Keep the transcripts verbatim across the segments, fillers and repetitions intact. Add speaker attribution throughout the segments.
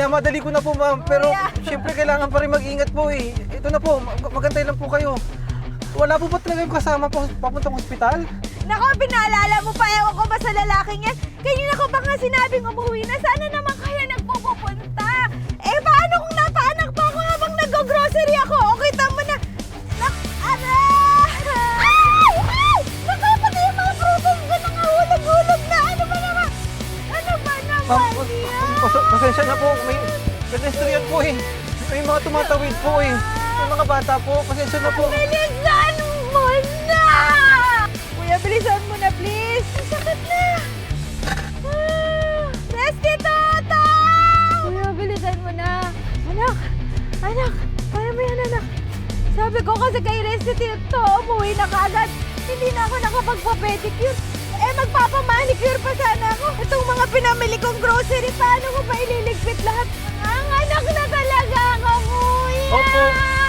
Speaker 1: minamadali ko na po, ma'am. Pero siyempre kailangan pa rin mag-ingat po eh. Ito na po, mag- magantay lang po kayo. Wala po ba talaga yung kasama po papuntang ospital?
Speaker 2: Nako, pinaalala mo pa, ewan ko ba sa lalaking yan? Kanina ko ba nga sinabing umuwi na, sana naman kaya nagpupunta. Eh, paano kung napaanak pa ako habang nag-grocery ako? Okay, tama na. Nak, aray! Ay! Ay! Naku, pati yung mga prutas ko nangahulog-hulog na. Ano ba naman? Ano ba naman
Speaker 1: Ma'am,
Speaker 2: yan?
Speaker 1: pas- pasensya na po. May pedestrian po eh. May mga tumatawid po eh. May mga bata po. Pasensya na po.
Speaker 2: Bilisan mo na! Kuya, bilisan mo na, please. Ang sakit na. Ah, Resty Toto! Kuya, bilisan mo na. Anak, anak, kaya mo yan, anak. Sabi ko kasi kay Resty Toto, umuwi na kagad. Hindi na ako nakapagpa-pedicure. Eh, magpapamanicure pa sana ako. Itong mga pinamili kong grocery, paano ko pa ililigpit lahat? Ang anak na talaga ako, kuya!
Speaker 1: Opo.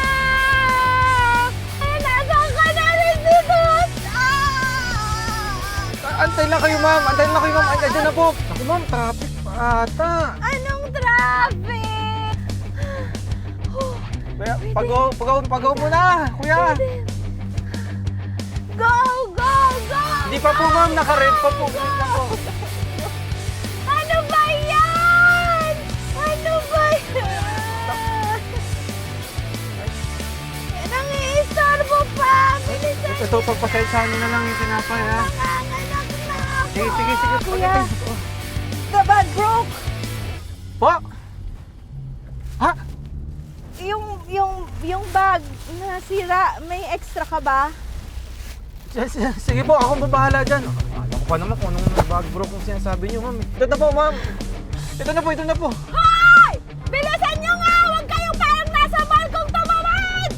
Speaker 2: Ay, nasaan ka na rin dito? Ah!
Speaker 1: Antay lang kayo, ma'am. Antay lang kayo, ma'am. Ay, andyan na po. Ako, ma'am. Traffic pa ata.
Speaker 2: Anong traffic?
Speaker 1: Kaya, pagaw, pagaw, pagaw muna. Kuya.
Speaker 2: Go, go, go!
Speaker 1: Hindi pa po, ma'am. Naka-red pa po. Wait lang po.
Speaker 2: Ano ba yan? Ano ba yan? Nangiistorbo pa! Bilisan!
Speaker 1: Ito, pagpasensyahan niyo na lang yung tinapay, ha?
Speaker 2: Nanganganak na ako!
Speaker 1: Sige, sige, sige.
Speaker 2: Kuya, the bag broke!
Speaker 1: Po? Ha?
Speaker 2: Yung, yung, yung bag nasira, may extra ka ba?
Speaker 1: S- s- Sige po, ako babahala dyan. Alam ko pa naman kung anong bag bro kung sinasabi niyo, ma'am. Ito na po, ma'am. Ito na po, ito na po.
Speaker 2: Hoy! Bilisan nyo nga! Huwag kayong parang nasa balkong tumawid!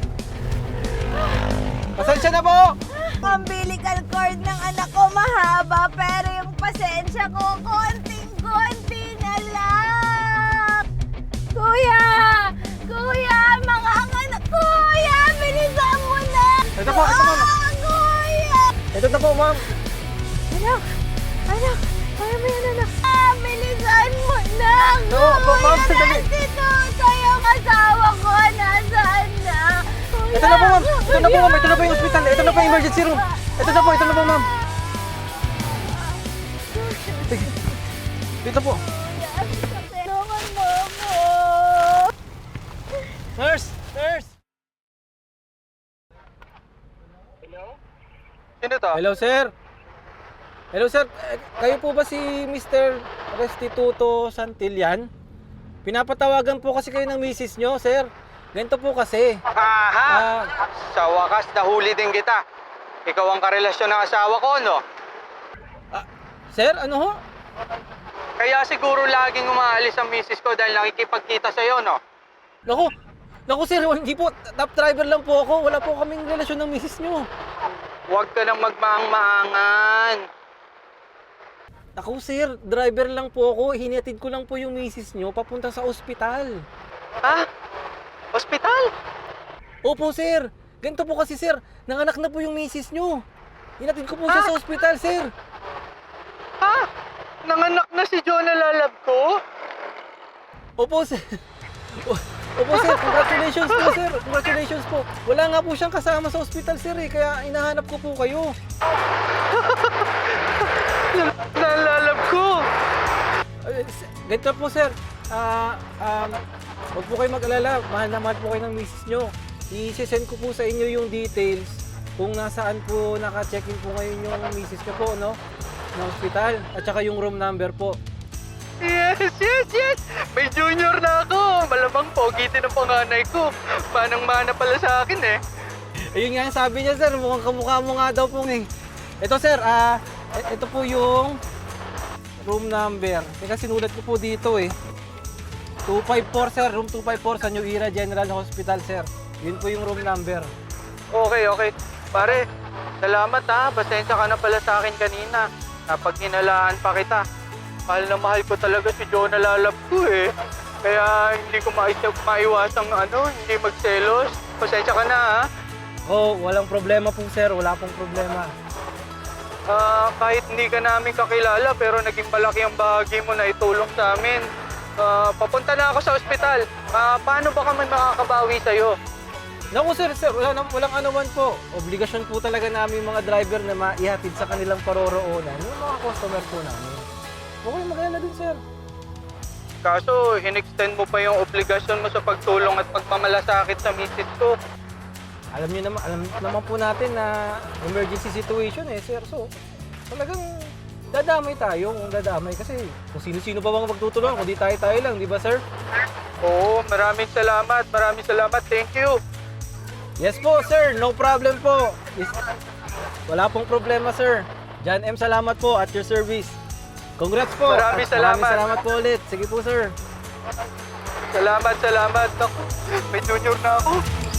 Speaker 1: Pasensya na po!
Speaker 2: Ang umbilical cord ng anak ko mahaba, pero yung pasensya ko, konting-konti na lang! Kuya! Kuya! Mga anak! Kuya! Bilisan mo na!
Speaker 1: Ito po, ito po.
Speaker 2: Ah, kuya!
Speaker 1: Ito na po, ma'am.
Speaker 2: Anak! Anak! Kaya mo yan, anak! Ah, bilisan mo na!
Speaker 1: No, po, ma'am,
Speaker 2: Kuya,
Speaker 1: sandali.
Speaker 2: nandito! Yung asawa ko, nasaan na? Kuya!
Speaker 1: Ito na po, ma'am. Ito na po, ma'am. Ito na po yung ospital. Ito na po yung emergency room. Ito na po, ito na po, ma'am. Sige. Dito po.
Speaker 2: Tulungan mo ako!
Speaker 1: Nurse! Nurse!
Speaker 3: Sino to?
Speaker 1: Hello, sir. Hello, sir. Eh, Kayo po ba si Mister Restituto Santillan? Pinapatawagan po kasi kayo ng misis nyo, sir. Ganito po kasi.
Speaker 3: Aha!
Speaker 1: Ah,
Speaker 3: Sa wakas, nahuli din kita. Ikaw ang karelasyon ng asawa ko, no?
Speaker 1: ah, sir, ano ho?
Speaker 3: Kaya siguro laging umaalis ang misis ko dahil nakikipagkita sa'yo, no?
Speaker 1: Naku, naku sir, hindi po. Top driver lang po ako. Wala po kaming relasyon ng misis nyo.
Speaker 3: Huwag ka nang magmaang-maangan.
Speaker 1: Naku sir, driver lang po ako. Hinatid ko lang po yung misis nyo papunta sa ospital.
Speaker 3: Ha? Hospital?
Speaker 1: Opo sir, ganito po kasi sir. Nanganak na po yung misis nyo. Hinatid ko po siya
Speaker 3: Ah?
Speaker 1: sa ospital sir.
Speaker 3: Ha? Nanganak na si Jonah Lalab ko?
Speaker 1: Opo sir. Opo sir, congratulations po sir. Congratulations po. Wala nga po siyang kasama sa ospital sir eh. Kaya inahanap ko po kayo.
Speaker 3: Nalalab ko!
Speaker 1: Uh, ganito po sir. Ah, um, huwag po kayo mag-alala. Mahal na mahal po kayo ng misis nyo. I-send ko po sa inyo yung details kung nasaan po naka-check-in po ngayon yung misis nyo po, no? Ng ospital. At saka yung room number po.
Speaker 3: Yes, yes, yes! May junior na ako! Malamang pogi din ang panganay ko. Manang-mana pala sa akin eh.
Speaker 1: Ayun nga yung sabi niya sir. Mukhang kamukha mo nga daw po eh. Ito sir, ah, e- ito po yung room number. Teka, sinulat ko po dito eh. two five four sir, room two five four sa New Era General Hospital sir. Yun po yung room number.
Speaker 3: Okay, okay. Pare, salamat ha. Pasensya ka na pala sa akin kanina. Napaghinalaan pa kita. Mahal na mahal ko talaga si Jonah Lalab ko eh. Kaya hindi ko maisip, maiwasang ano, hindi magselos. Pasensya ka na ha.
Speaker 1: Oh, walang problema po sir, wala pong problema.
Speaker 3: Ah, kahit hindi ka namin kakilala pero naging malaki ang bahagi mo na itulong sa amin. Ah, papunta na ako sa ospital. Ah, paano ba kami makakabawi sa'yo?
Speaker 1: Naku sir, sir, wala, nam- walang anuman po. Obligasyon po talaga namin mga driver na maihatid sa kanilang paroroonan yung mga customer po namin. Huwag kayong mag-alala dun sir.
Speaker 3: Kaso, in-extend mo pa yung obligasyon mo sa pagtulong at pagmamalasakit sa misis ko.
Speaker 1: Alam niyo naman, alam naman po natin na emergency situation eh sir. So, talagang dadamay tayo kung dadamay kasi kung sino-sino ba bang magtutulungan kung di tayo-tayo lang, di ba sir?
Speaker 3: Oo, maraming salamat. Maraming salamat. Thank you.
Speaker 1: Yes po sir, no problem po. Is- Wala pong problema sir. John M, salamat po at your service. Congrats po.
Speaker 3: Maraming
Speaker 1: At
Speaker 3: salamat.
Speaker 1: Maraming salamat po ulit. Sige po sir.
Speaker 3: Salamat, salamat. Naku, may junior na ako.